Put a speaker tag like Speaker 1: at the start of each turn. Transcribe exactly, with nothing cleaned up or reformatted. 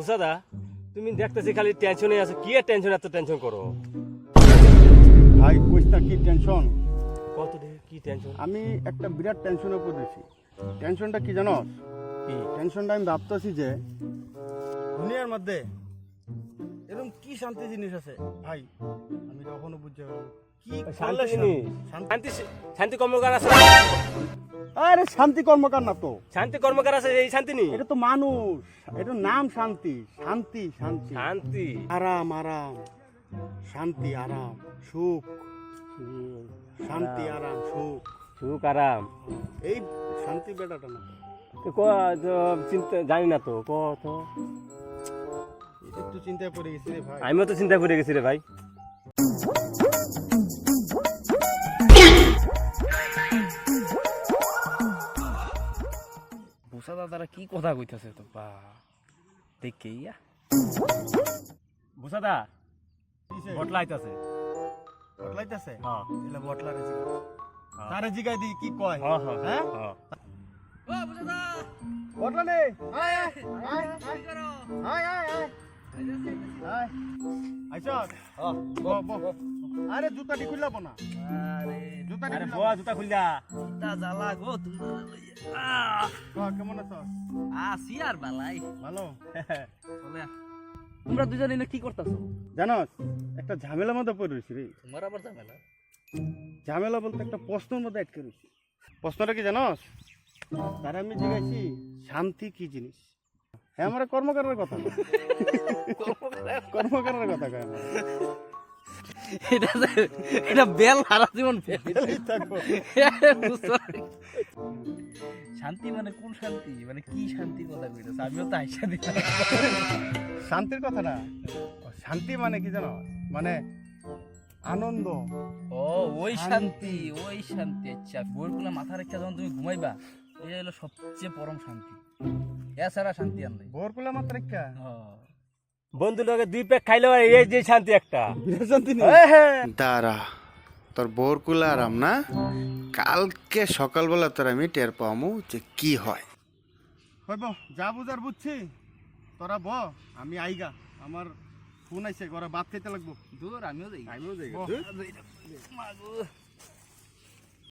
Speaker 1: বুসাদা তুমি দেখতেছি খালি টেনশনে আছো, কি এর টেনশন, এত টেনশন করো?
Speaker 2: ভাই কইস না কি টেনশন।
Speaker 1: কত দে কি টেনশন?
Speaker 2: আমি একটা বিরাট টেনশনে পড়েছি। টেনশনটা কি জানোস?
Speaker 1: কি
Speaker 2: টেনশনটা আমি ভাবতেছি যে দুনিয়ার মধ্যে এরকম কি শান্তি জিনিস আছে ভাই, আমি কখনো বুঝতে পারবো না। কি
Speaker 1: শান্তি
Speaker 2: করলে
Speaker 1: জিনিস?
Speaker 2: শান্তি-
Speaker 1: শান্তি শান্তি কর্মকার আছে?
Speaker 2: আরে শান্তি কর্মকার না তো,
Speaker 1: শান্তি কর্মকার আছে, এই শান্তি নেই।
Speaker 2: এটা তো মানুষ, এটা নাম শান্তি। শান্তি শান্তি
Speaker 1: শান্তি
Speaker 2: আরাম আরাম, শান্তি আরাম সুখ, শান্তি আরাম সুখ,
Speaker 1: সুখ আরাম।
Speaker 2: এই শান্তি বেটাটা না
Speaker 1: তো ক তো চিন্তা জানি না তো, ক তো।
Speaker 2: এটা একটু চিন্তায় পড়ে গেছি রে ভাই।
Speaker 1: আমিও তো চিন্তা করে গেছি রে ভাই।
Speaker 3: বুসা দাদারা কি কথা কইতাছে তো বা দেখে ইয়া
Speaker 1: বুসাদা
Speaker 2: কিসে?
Speaker 1: বটলা আইতাছে।
Speaker 2: বটলাইতেছে?
Speaker 1: হ্যাঁ
Speaker 2: এলা বটলারে জিগাই। তারে জিগাই দি কি কয়?
Speaker 1: হ্যাঁ হ্যাঁ
Speaker 2: হ্যাঁ?
Speaker 1: হ্যাঁ।
Speaker 3: ও বুসা দা
Speaker 2: বটলা নে আয় আয় আয়
Speaker 3: কি করো
Speaker 2: আয় আয় আয় আয় আইছো?
Speaker 1: হ্যাঁ।
Speaker 2: ব ব আরে জুতাটি খুললাবো না,
Speaker 3: আরে
Speaker 2: জুতাটি
Speaker 1: আরে
Speaker 2: খুললাবো
Speaker 1: বয়া জুতা খুললা।
Speaker 3: তা জ্বালা গো তোমরা লইয়া
Speaker 2: না। কেমন আছো?
Speaker 3: আসি আর বালাই
Speaker 2: ভালো।
Speaker 3: বলে তোমরা দুজন এনে কি করতাছো?
Speaker 2: জানোস একটা ঝামেলার মধ্যে পড়ে রয়েছি রে।
Speaker 3: তোমার আবার ঝামেলা?
Speaker 2: ঝামেলা বলতে একটা প্রশ্নের মধ্যে আটকে রয়েছি। প্রশ্নটা কি জানোস? তারা আমি জিজ্ঞাসি শান্তি কি জিনিস। হ্যাঁ আমার কর্মকারের কথা কয়। কর্মকারের কথা কয় আমার।
Speaker 3: এটা যে- এটা বেল হারা জীবন বেল
Speaker 2: এই থাকবো।
Speaker 3: বুঝছো? শান্তি মানে কোন শান্তি, মানে কি শান্তি কথা কইতাছ? আমিও তো আইসা দিলাম।
Speaker 2: শান্তির কথা না, শান্তি মানে কি জানো, মানে আনন্দ।
Speaker 3: ও ওই শান্তি, ওই শান্তি। আচ্ছা বইগুলো মাথা রেখে যখন তুমি ঘুমাইবা, এটা হলো সবচেয়ে পরম শান্তি। এছাড়া শান্তি আর নাই।
Speaker 2: ভোরকুলা মাত্র একটা
Speaker 3: হ্যাঁ।
Speaker 1: বন্ধু লোকে দুই প্যাক খাইলে এই যে শান্তি একটা।
Speaker 2: বিরাট শান্তি নেই।
Speaker 4: দাঁড়া, তোর বোরকুলা আরাম না, কালকে সকালবেলা তোর আমি টের পামু যে কি হয়।
Speaker 2: হইব যা বুঝার বুঝছি, তোরা ব আমি আইগা, আমার ফোন আইছে ঘরে ভাত খাইতে লাগবো।
Speaker 3: দূর আমিও যাই।
Speaker 1: আমিও যাই।
Speaker 2: বহ।
Speaker 3: মাগো